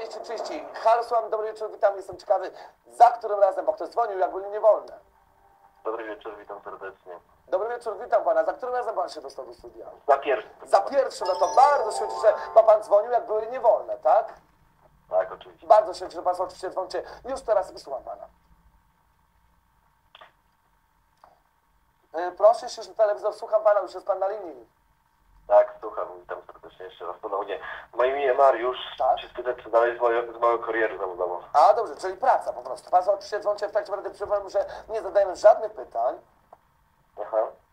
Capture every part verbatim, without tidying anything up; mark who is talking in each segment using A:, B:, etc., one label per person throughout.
A: trzydzieści trzydzieści. Halo, słucham, dobry wieczór, witam, jestem ciekawy, za którym razem, bo ktoś dzwonił, jak byli niewolne.
B: Dobry wieczór, witam serdecznie.
A: Dobry wieczór, witam pana, za którym razem pan się dostał do studia?
B: Za pierwszy.
A: Za pierwszym, no to bardzo się cieszę, bo pan dzwonił, jak były niewolne, tak?
B: Tak, oczywiście.
A: Bardzo się cieszę, że państwo oczywiście dzwonicie. Już teraz wysłucham pana. Yy, proszę się, że telewizor, słucham pana, już jest pan na linii.
B: Tak, słucham, witam serdecznie jeszcze raz ponownie. Moje imię Mariusz,
A: Tak?
B: się spytać, co dalej z mojej, z mojej kariery zawodową.
A: A, dobrze, czyli praca po prostu. Państwo oczywiście dzwonicie w trakcie, będę przypomniał, że nie zadajemy żadnych pytań.
B: Aha.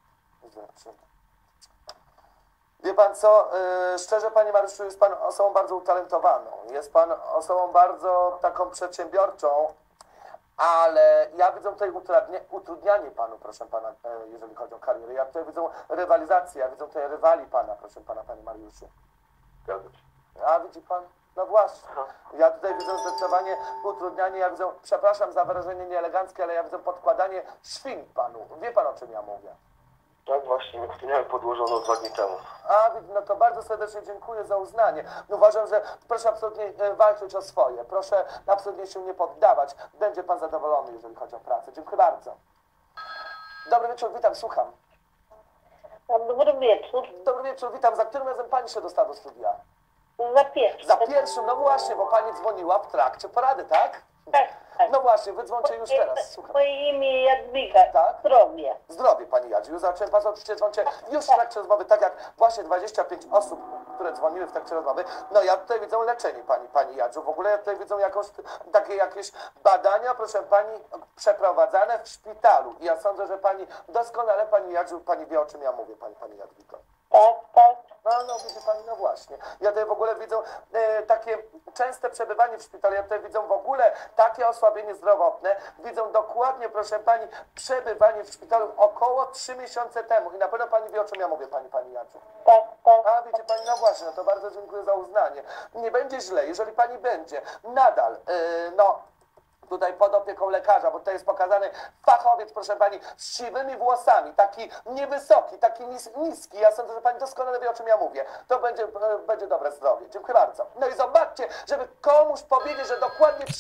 A: Wie pan co, yy, szczerze panie Mariuszu, jest pan osobą bardzo utalentowaną, jest pan osobą bardzo taką przedsiębiorczą, ale ja widzę tutaj utrudnia, utrudnianie panu, proszę pana, yy, jeżeli chodzi o karierę. Ja tutaj widzę rywalizację, ja widzę tutaj rywali pana, proszę pana, panie Mariuszu.
B: Zgadza się.
A: A widzi pan? No właśnie.
B: Aha.
A: Ja tutaj widzę zdecydowanie utrudnianie, ja widzę, przepraszam za wyrażenie nieeleganckie, ale ja widzę podkładanie świń panu. Wie pan, o czym ja mówię?
B: Tak właśnie, to miałem podłożono dwa dni temu.
A: A, no to bardzo serdecznie dziękuję za uznanie. Uważam, że proszę absolutnie e, walczyć o swoje. Proszę absolutnie się nie poddawać. Będzie pan zadowolony, jeżeli chodzi o pracę. Dziękuję bardzo. Dobry wieczór, witam, słucham.
C: Dobry wieczór.
A: Dobry wieczór, witam. Za którym razem pani się dostała do studia?
C: Za pierwszy.
A: Za pierwszym, no właśnie, bo pani dzwoniła w trakcie porady, tak?
C: Tak, tak.
A: No właśnie, wydzwońcie już teraz, słucham.
C: Moje imię Jadwiga.
A: Tak?
C: Zdrowie.
A: Zdrowie pani Jadziu. Już zacząłem państwo oczywiście dzwonicie już w trakcie rozmowy, tak jak właśnie dwadzieścia pięć osób, które dzwoniły w trakcie rozmowy. No ja tutaj widzę leczenie pani, pani Jadziu. W ogóle ja tutaj widzę jakąś, takie jakieś badania, proszę pani, przeprowadzane w szpitalu. I ja sądzę, że pani doskonale, pani Jadziu, pani wie, o czym ja mówię, pani, pani Jadwigo.
C: Tak, tak.
A: No, no widzi pani, no właśnie. Ja tutaj w ogóle widzę e, takie częste przebywanie w szpitalu, ja tutaj widzę w ogóle takie osłabienie zdrowotne. Widzę dokładnie, proszę pani, przebywanie w szpitalu około trzy miesiące temu. I na pewno pani wie, o czym ja mówię, pani, pani Jaciu.
C: Tak, tak.
A: A wiecie pani, no właśnie, no to bardzo dziękuję za uznanie. Nie będzie źle, jeżeli pani będzie nadal, e, no... tutaj pod opieką lekarza, bo tutaj jest pokazany fachowiec, proszę pani, z siwymi włosami, taki niewysoki, taki nis, niski. Ja sądzę, że pani doskonale wie, o czym ja mówię. To będzie, e, będzie dobre zdrowie. Dziękuję bardzo. No i zobaczcie, żeby komuś powiedzieć, że dokładnie